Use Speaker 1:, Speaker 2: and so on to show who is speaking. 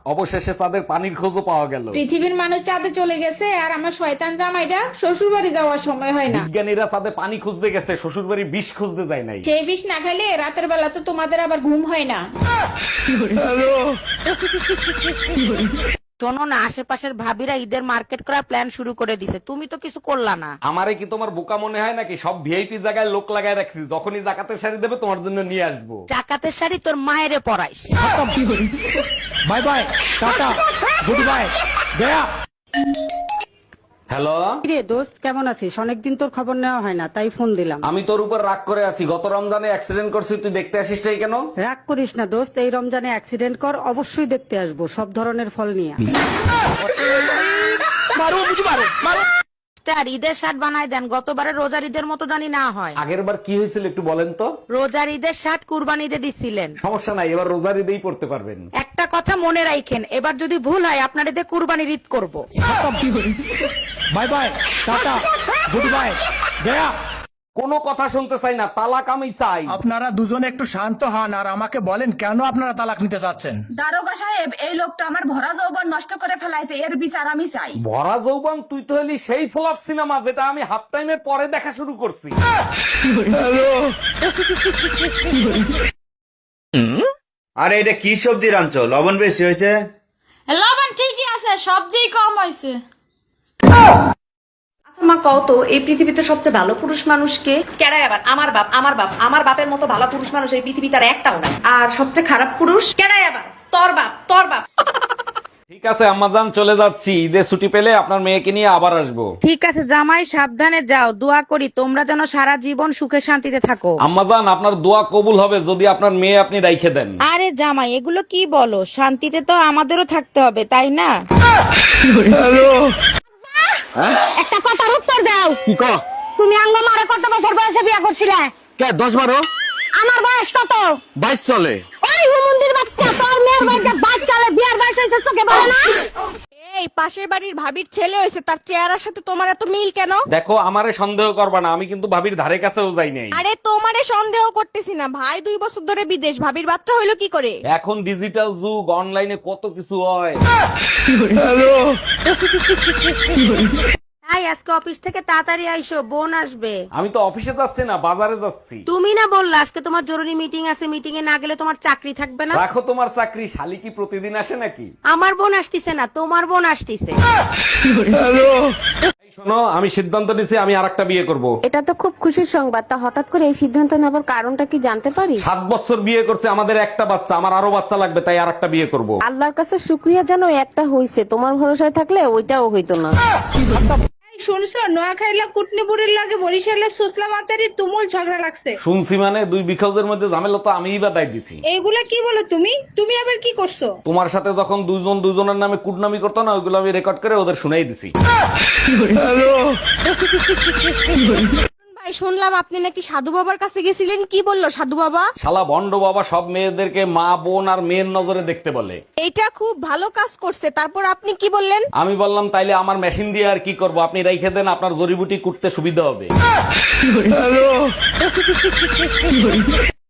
Speaker 1: অবশেষে চাঁদের পানির খোঁজও পাওয়া গেল।
Speaker 2: পৃথিবীর মানুষ চাঁদে চলে গেছে আর আমার শয়তান জামাইটা শ্বশুর বাড়ি যাওয়ার সময় হয় না।
Speaker 1: বিজ্ঞানীরা চাঁদে পানি খুঁজতে গেছে, শ্বশুর বাড়ি বিষ খুঁজতে যায় নাই।
Speaker 2: সেই বিষ না খাইলে রাতের বেলা তো তোমাদের আবার ঘুম হয় না।
Speaker 3: শোনো না, আশেপাশের ভাবিরা ঈদের মার্কেট করার প্ল্যান শুরু করে দিছে, তুমি তো কিছু করলা না।
Speaker 1: আমারে কি তোমার বোকা মনে হয় নাকি? সব ভিআইপি জায়গায় লোক লাগায় রাখছি, যখনই জাকাতের শাড়ি দেবে তোমার জন্য নিয়ে আসবো।
Speaker 3: জাকাতের শাড়ি তোর মায়েরে পরাইস।
Speaker 4: Bye bye, tata, good bye, গয়া।
Speaker 1: হ্যালো,
Speaker 5: রে দোস্ত, কেমন আছিস? অনেকদিন তোর খবর নেওয়া হয় না, তাই ফোন দিলাম।
Speaker 1: আমি তোর উপর রাগ করে আছি। গত রমজানে অ্যাক্সিডেন্ট করছি, তুই দেখতে আসিস নাই কেন?
Speaker 5: রাগ করিস না দোস্ত, এই রমজানে অ্যাক্সিডেন্ট কর, অবশ্যই দেখতে আসবো, সব ধরনের ফল নিয়ে।
Speaker 3: আর ঈদের শার্ট বানায় দেন, গতবারে রোজার ঈদের মতো জানি না হয়।
Speaker 1: আগের বার কি হয়েছিল একটু বলেন তো?
Speaker 3: রোজার ঈদের শার্ট কুরবানি ঈদে দিছিলেন।
Speaker 1: সমস্যা নাই, এবার রোজার ঈদেই পড়তে পারবেন।
Speaker 3: একটা কথা মনে রাখেন, এবার যদি ভুল হয় আপনার ঈদে কুরবানির ঈদ করবো।
Speaker 4: Bye bye, tata, good bye, গয়া।
Speaker 1: কোনো কথা শুনতে চাই না, তালাক আমি চাই।
Speaker 4: আপনারা দুজনে একটু শান্ত হন আর আমাকে বলেন কেন আপনারা তালাক নিতে চাচ্ছেন।
Speaker 6: দারোগা সাহেব, এই লোকটা আমার ভরা যৌবন নষ্ট করে ফেলাইছে, এর বিচার আমি চাই।
Speaker 1: ভরা যৌবন? তুই তো হলি সেই ফ্লপ সিনেমা যেটা আমি হাফ টাইমের পরে দেখা শুরু করছি।
Speaker 7: আরে এটা কি সবজি রাঁধছো? লবণ বেশি হয়েছে।
Speaker 8: লবণ ঠিকই আছে, সবজি কম হয়েছে।
Speaker 6: মা কত, এই পৃথিবীতে সবচেয়ে ভালো পুরুষ মানুষকে? কেডাই আবার? আমার বাপ। আমার বাপের মতো ভালো পুরুষ মানুষ এই পৃথিবীতে আর একটাও নাই। আর সবচেয়ে খারাপ পুরুষ কেডাই আবার? তোর বাপ।
Speaker 1: ঠিক আছে আম্মাজান, চলে যাচ্ছি। ঈদের ছুটি পেলে আপনার মেয়েকে নিয়ে আবার আসবো।
Speaker 3: ঠিক আছে জামাই, সাবধানে যাও, দোয়া করি তোমরা যেন সারা জীবন সুখে শান্তিতে থাকো।
Speaker 1: আম্মাজান, আপনার দোয়া কবুল হবে যদি আপনার মেয়ে আপনি রাইখে দেন।
Speaker 3: আরে জামাই, এগুলো কি বলো? শান্তিতে তো আমাদেরও থাকতে হবে, তাই না?
Speaker 5: একটা কথার উত্তর দাও।
Speaker 4: কি ক?
Speaker 5: তুমি আঙ্গ মারে কত বছর বয়সে বিয়ে করছিলে?
Speaker 4: কে 10-12?
Speaker 5: আমার বয়স কত?
Speaker 4: 22 চলে।
Speaker 5: ওই হুমুন্দির বাচ্চা, তোর মেয়ের বয়সে বাচ্চালে বিয়ার বয়স হয়েছে, চোখে বলে না?
Speaker 3: এই পাশের বাড়ির ভাবির ছেলে হয়েছে, তার চেহারার সাথে তোমার এত মিল কেন?
Speaker 1: দেখো, আমারে সন্দেহ করবা না, আমি কিন্তু ভাবির ধারে কাছেও যাই নাই।
Speaker 3: আরে তোমারে সন্দেহ করতেছি না, ভাই 2 বছর ধরে বিদেশ, ভাবির বাচ্চা হইলো কি করে?
Speaker 1: এখন ডিজিটাল যুগ, অনলাইনে কত কিছু হয়।
Speaker 3: তাই আজকে অফিস থেকে তাড়াতাড়ি আইসো, বোন আসবে।
Speaker 1: আমি তো অফিসে যাচ্ছি না, বাজারে যাচ্ছি।
Speaker 3: তুমি না বললা আজকে তোমার জরুরি মিটিং আছে, মিটিং এ না গেলে তোমার চাকরি থাকবে না?
Speaker 1: রাখো তোমার চাকরি, শালি কি প্রতিদিন আসে নাকি?
Speaker 3: আমার বোন আসতিছে না, তোমার বোন আসতিছে।
Speaker 1: এই শোনো, আমি সিদ্ধান্ত নিছি আমি আরেকটা বিয়ে করব।
Speaker 9: এটা তো খুব খুশির সংবাদ, তা হঠাৎ করে এই সিদ্ধান্ত নেবার কারণটা কি জানতে পারি?
Speaker 1: 7 বছর বিয়ে করছে, আমাদের একটা বাচ্চা, আমার আরো বাচ্চা লাগবে, তাই আরেকটা বিয়ে করব।
Speaker 9: আল্লাহর কাছে শুক্রিয়া জানো, একটা হইছে, তোমার ভরসায় থাকলে ওইটাও হইতো না।
Speaker 2: শুনছো, নোয়াখাইলা কুটনিপুরের লাগে বরিশালের সুসলা মাতারির তুমুল ঝগড়া লাগছে।
Speaker 1: শুনছি মানে 2 বিখাউজের মধ্যে ঝামেলা তো আমিই বা দায় দিছি।
Speaker 2: এইগুলা কি বলো তুমি আবার কি করছো?
Speaker 1: তোমার সাথে যখন দুজন দুজনের নামে কুটনামি করতো না, ওইগুলো আমি রেকর্ড করে ওদের শুনাই দিছি।
Speaker 3: ভাই শুনলাম আপনি নাকি সাধু বাবার কাছে গেছিলেন, কি বললো সাধু বাবা?
Speaker 1: শালা ভন্ড বাবা সব মেয়েদেরকে মা, বোন আর মেয়ের নজরে দেখতে বলে।
Speaker 3: এটা খুব ভালো কাজ করছে, তারপর আপনি কি বললেন?
Speaker 1: আমি বললাম তাইলে আমার মেশিন দিয়ে আর কি করব, আপনি রাইখে দেন, আপনার জড়িবুটি কুটতে সুবিধা হবে।